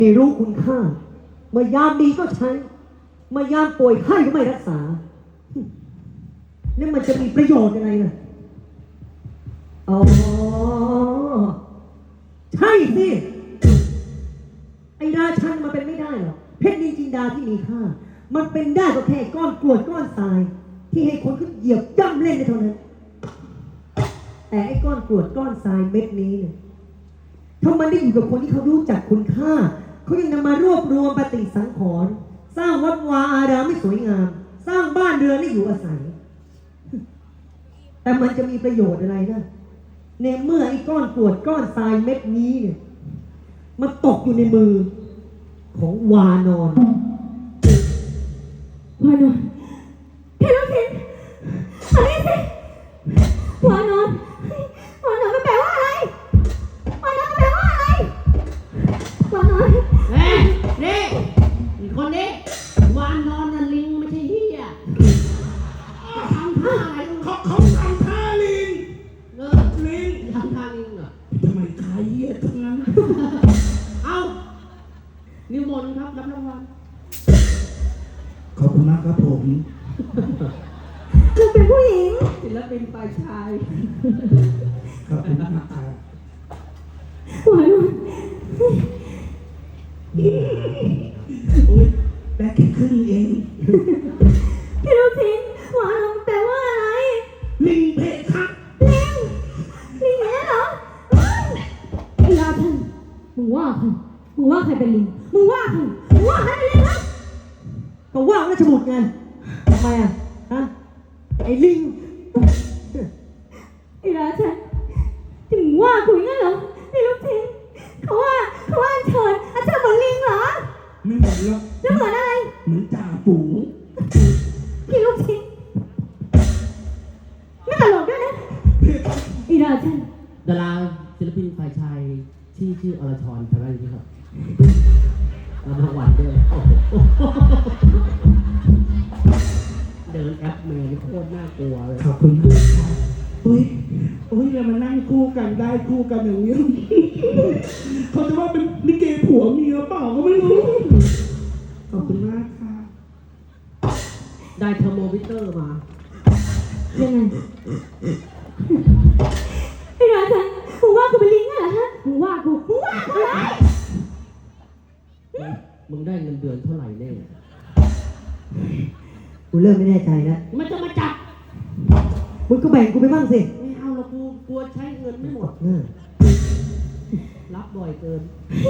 ไม่รู้คุณค่าเมื่อยามดีก็ใช้เมื่อยามป่วยไข้ก็ไม่รักษานี่มันจะมีประโยชน์อะไรล่ะอ๋อใช่สิไอ้ราชันมันเป็นไม่ได้หรอกเพชรนินจินดาที่มีค่ามันเป็นได้ก็แค่ก้อนกรวดก้อนทรายที่ให้คนขึ้นเหยียบย่ำเล่นในเท่านั้นแต่ไอ้ก้อนกรวดก้อนทรายเม็ดนี้เนี่ยถ้ามันได้อยู่กับคนที่เขารู้จักคุณค่าเขายังนำมารวบรวมปฏิสังขรณ์สร้างวัดวาอารามให้สวยงามสร้างบ้านเรือนให้อยู่อาศัยแต่มันจะมีประโยชน์อะไรนะในเมื่อไอ้ก้อนกรวดก้อนทรายเม็ดนี้เนี่ยมันตกอยู่ในมือของวานอนวานอนเพลสินอันนี้สิวานอนวานอนมันแปลว่าอะไรวานอนมันแปลว่าอะไรวานอนนี่อีกคนนี้วานนอนน่ะลิงไม่ใช่เหี้ยทำท่าอะไรเขาทำท่าลิงลิงทำท่าลิงเหรอทำไมขายเหี้ยทั้งนั้นเอานิมนต์ครับรับรางวัลขอบคุณมากครับผมคือเป็นผู้หญิงศิลปินฝ่ายชายขอบคุณมากครับวานอนโอ๊ยแบกแค่ครึ่งเองเพลสินวานอนแปลว่าอะไรลิงเพคะลิงเนี้ยเหรอไอ้ราชันมึงว่าใครเป็นลิงมึงว่าใครเป็นลิงนะก็ว่าราชบุตรไงทำไมอ่ะฮะไอ้ลิงไอ้ราชันถึงว่าคุยงั้นเหรอไอ้ลูกชิ้นเขาว่าอัญเชิญเหมือนลิงเหรอไม่เหมือนหรอกแล้วเหมือนอะไรเหมือนจ่าฝูงพี่ลูกชิ้นไม่ตลกด้วยนะไอ้ราชันดาราศิลปินฝ่ายชายชื่ออรชรทำอะไรอยู่ครับรับรางวัลด้วยเดินแอปเมย์โคตรน่ากลัวเลยขอบคุณมากครับโอ้ยเรามานั่งคู่กันได้คู่กันอย่างนี้เขาจะว่าเป็นลิเกผัวเมียเปล่าก็ไม่รู้ขอบคุณมากค่ะได้เทอร์โมมิเตอร์มายังไงไอ้ราชันมึงว่ากูเป็นลิงเหรอฮะมึงว่าอะไรมึงได้เงินเดือนเท่าไหร่แน่กูเริ่มไม่แน่ใจแล้วมันจะมาจับมึงก็แบ่งกูไปบ้างสิไม่เอาหรอกกูกลัวใช้เงินไม่หมดรับบ่อยเกิน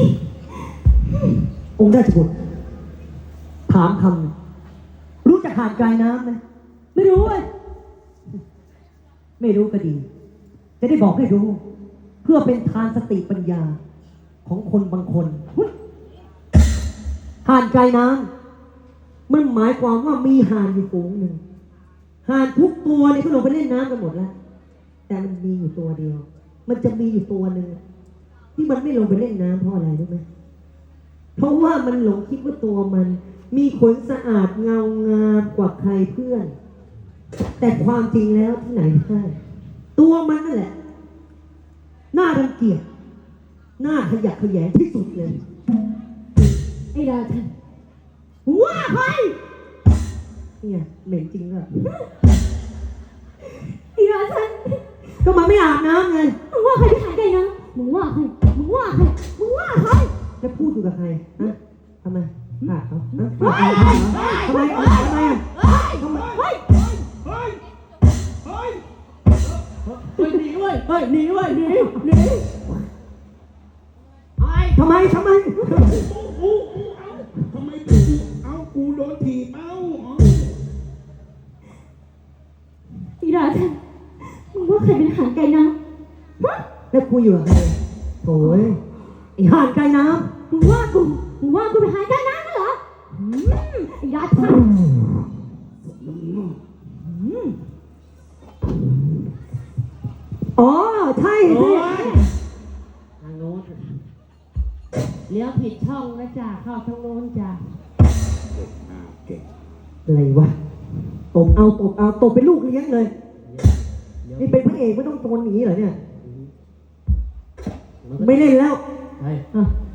องค์ราชบุตรถามคำรู้จักหาดไกลน้ำไหมไม่รู้เลยไม่รู้ก็ดีจะได้บอกให้รู้เพื่อเป็นทานสติปัญญาของคนบางคนหาดไกลน้ำมันหมายความว่ามีห่านอยู่ฝูงหนึ่งห่านทุกตัวเนี่ยเขาลงไปเล่นน้ำกันหมดแล้วแต่มันมีอยู่ตัวเดียวมันจะมีอยู่ตัวหนึ่งที่มันไม่ลงไปเล่นน้ำเพราะอะไรรู้ไหมเพราะว่ามันหลงคิดว่าตัวมันมีขนสะอาดเงางามกว่าใครเพื่อนแต่ความจริงแล้วที่ไหนได้ตัวมันนั่นแหละน่ารังเกียจน่าขยะแขยงที่สุดเลยไอ้ราชันว่าใครเนี่ยเหม็นจริงเลยไอ้ราชันก็มันไม่อาบน้ำไงมึงว่าใครที่หายใจนะมึงว่าใครจะพูดอยู่กับใครฮะทำไมขาดเขาฮะทำไมหนีเว้ยหนีทำไมทำไมเอากูโดนถีบเอาอีราชันมึงว่าใครเป็นหางไก่น้ำแล้วคุยอยู่กับใครโอ้ยไอ้ห่านไก่น้ำมึงว่ากูเป็นหางไก่น้ำนั่นเหรอไอ้ราชันอ๋อใช่สิทางโน้นเลี้ยวผิดช่องนะจ๊ะเข้าทางโน้นจ้ะอะไรวะตบตบเป็นลูกเลี้ยงเลยนี่เป็นพระเอกไม่ต้องโดนหนีเหรอเนี่ยไม่เล่นแล้ว